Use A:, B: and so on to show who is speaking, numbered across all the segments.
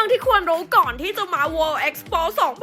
A: รื่องที่ควรรู้ก่อนที่จะมา World Expo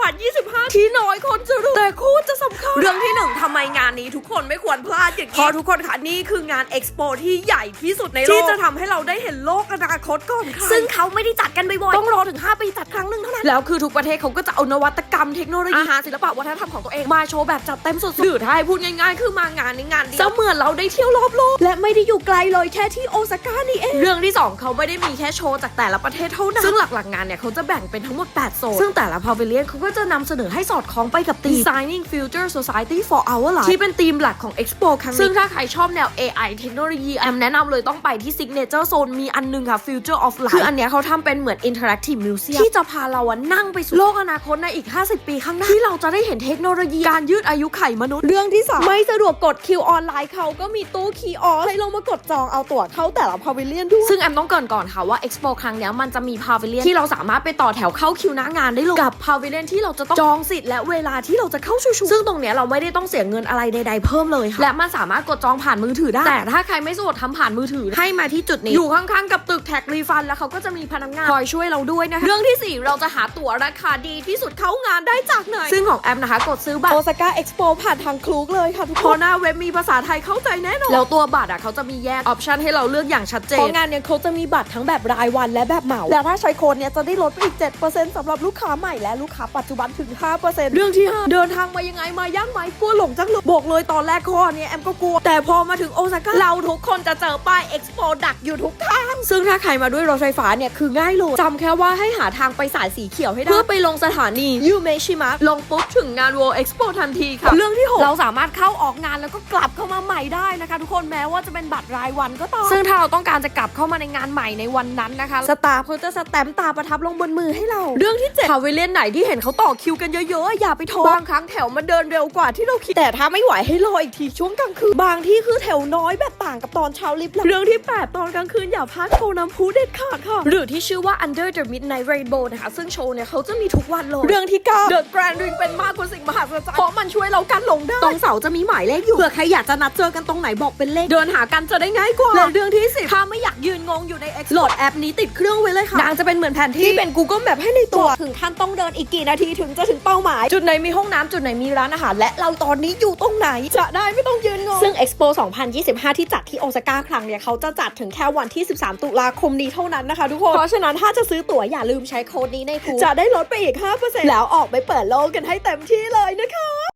A: 2025 ที่น้อยคนจะรู้แต่โคตรจะสำคัญเรื่องที่1ทำไมงานนี้ทุกคนไม่ควรพลาดอย่างนี้เพราะทุกคนค่ะนี่คืองาน Expo ที่ใหญ่ที่สุดในโลกที่จะทำให้เราได้เห็นโลกอนาคตก่อนค่ะซึ่งเขาไม่ได้จัดกันบ่อยๆต้องรอถึง5 ปีจัดครั้งหนึ่งเท่านั้นแล้วคือทุกประเทศเขาก็จะเอานวัตกรรมเทคโนโลยีอาหารศิลปะวัฒนธรรมของตัวเองมาโชว์แบบจัดเต็มสุดๆหรือถ้าให้พูดง่ายๆคือมางานนี้งานเดียวเสมือนเราได้เที่ยวรอบโลกและไม่ได้อยู่ไกลเลยแค่ที่โอซาก้านี่เองเรื่องที่2เขาไม่ได้มีแค่โชว์จากแต่ละประเทศเท่านั้นซึ่งหลักๆงานเนี่ยเขาจะแบ่งเป็นทั้งหมด8โซนซึ่งแต่ละพาวิเลียนเขาก็จะนำเสนอให้สอดคล้องไปกับธีม Designing Future Society for Our Life ที่เป็นธีมหลักของ Expo ครั้งนี้ซึ่งถ้าใครชอบแนว AI เทคโนโลยีแอมแนะนำเลยต้องไปที่ Signature Zone มีอันนึงค่ะ Future of Life คืออันเนี้ยเขาทำเป็นเหมือน Interactive Museum ที่จะพาเรานั่งไปสู่โลกอนาคตในอีก50 ปีข้างหน้าที่เราจะได้เห็นเทคโนโลยีการยืดอายุไขมนุษย์เรื่องที่3ไม่สะดวกกดคิวออนไลน์เขาก็มีตู้คีออสให้เรามากดจองเอาตั๋วเข้าแต่ละพาวิเลียนด้วยซึ่งแอมต้องเกริ่นก่อนค่ะว่า Expo ครั้งเนี้ยมันจะมีพาวิเลียนที่เราสามารถไปต่อแถวเข้าคิวหน้างานได้เลยกับพาวิเลียนที่เราจะต้องจองสิทธิ์และเวลาที่เราจะเข้าชูซึ่งตรงเนี้ยเราไม่ได้ต้องเสียเงินอะไรใดๆเพิ่มเลยค่ะและมันสามารถกดจองผ่านมือถือได้แต่ถ้าใครไม่สะดวกทำผ่านมือถือให้มาที่จุดนี้อยู่ข้างๆกับตึกแท็กรีฟันแล้วเขาก็จะมีพนักงานคอยช่วยเราด้วยนะคะเรื่องที่4เราจะหาตั๋วราคาดีที่สุดเข้างานได้จากไหนซึ่งของแอมนะคะกดซื้อบัตรโอซาก้าเอ็กซ์โปผ่านทางคลูกเลยค่ะทุกคนหน้าเว็บมีภาษาไทยเข้าใจแน่นอนแล้วตัวบัตรเขาจะมีแยกออปชันให้เราเลือกอย่างชัดเจนเพราะงานเนี่ยเขาจะมีบัตรทั้งแบบรายวันและแบบเหมาแล้วถ้าใช้โค้ดเนี่ยจะได้ลดไปอีก 7% สำหรับลูกค้าใหม่และลูกค้าปัจจุบันถึง 5% เรื่องที่5เดินทางมายังไงมาย่างไหมกลัวหลงจังเลยบอกเลยตอนแรกข้อเนี่ยแอมก็กลัวแต่พอมาถึงโอซาก้าเราทุกคนจะเจอป้ายเอ็กซ์โปดักอยู่ทุกทางซึ่งถ้าใครมาด้วยรถไฟฟ้าเนี่ยคือง่ายเลยจำแค่ว่าให้หาทางไปสายสีเขียวให้ได้เพื่อไปลงสถานียูเมชิมะลงปุ๊บถึงงาน World Expo ทันทีค่ะเรื่องที่6เราสามารถเข้าออกงานแล้วก็กลับเข้ามาใหม่ได้นะคะทุกคนแม้ว่าจะเป็นบัตรรายวันก็ตามซึ่งถ้าเราต้องการจะกลับเข้ามาในงานใหม่ในวันนั้นนะคะสตาร์เขาจะสแตมป์ตาประทับลงบนมือให้เราเรื่องที่7พาวิเลียนไหนที่เห็นเขาต่อคิวกันเยอะๆอย่าไปท้อบางครั้งแถวมันเดินเร็วกว่าที่เราคิดแต่ถ้าไม่ไหวให้รออีกทีช่วงกลางคืนบางที่คือแถวน้อยแบบต่างกับตอนเช้าลิฟต์เรื่องที่8ตอนกลางคืนอย่าพลาดโชว์น้ำพุเด็ดขาดค่ะหรือที่ชื่อว่า Under the Midnight Rainbow นะคะซึ่งโชว์เนี่ยเขาจะมีทุกวันเลยเรื่องที่9 The Grand Ring เป็นมากกว่าสิ่งมหัศจรรย์เพราะมันช่วยเรากันหลงได้ตรงเสาจะมีหมายเลขอยู่เผื่อใครอยากจะนัดเจอกันตรงไหนบอกเป็นเลขเดินหากันจะได้ง่ายกว่าและเรื่องที่10ถ้าไม่อยากยืนงงอยู่ใน X โหลดแอปนี้ติดเครื่องไว้เลยค่ะนางจะเป็นเหมือนแผนที่เป็น Google Map ให้ในตัวถึงขั้นต้องเดินอีกกี่นาทีถึงจะถึงเป้าหมายจุดไหนมีห้องน้ำจุดไหนมีร้านอาหารและเราตอนนี้อยู่ตรงไหนจะได้ไม่ต้องยืนงงซึ่ง Expo 2025 ที่จัดที่โอซาก้าครั้งเนี่ยเขาจะจัดถึงแค่วันที่13 ตุลาคมนี้เท่านั้นนะคะทุกคนเพราะฉะนั้นถ้าจะซื้อตั๋วอย่าลืมใช้โค้ดนี้ในคูจะได้ลดไปอีก 5% แล้วออกไปเปิดโลกกันให้เต็มที่เลยนะคะ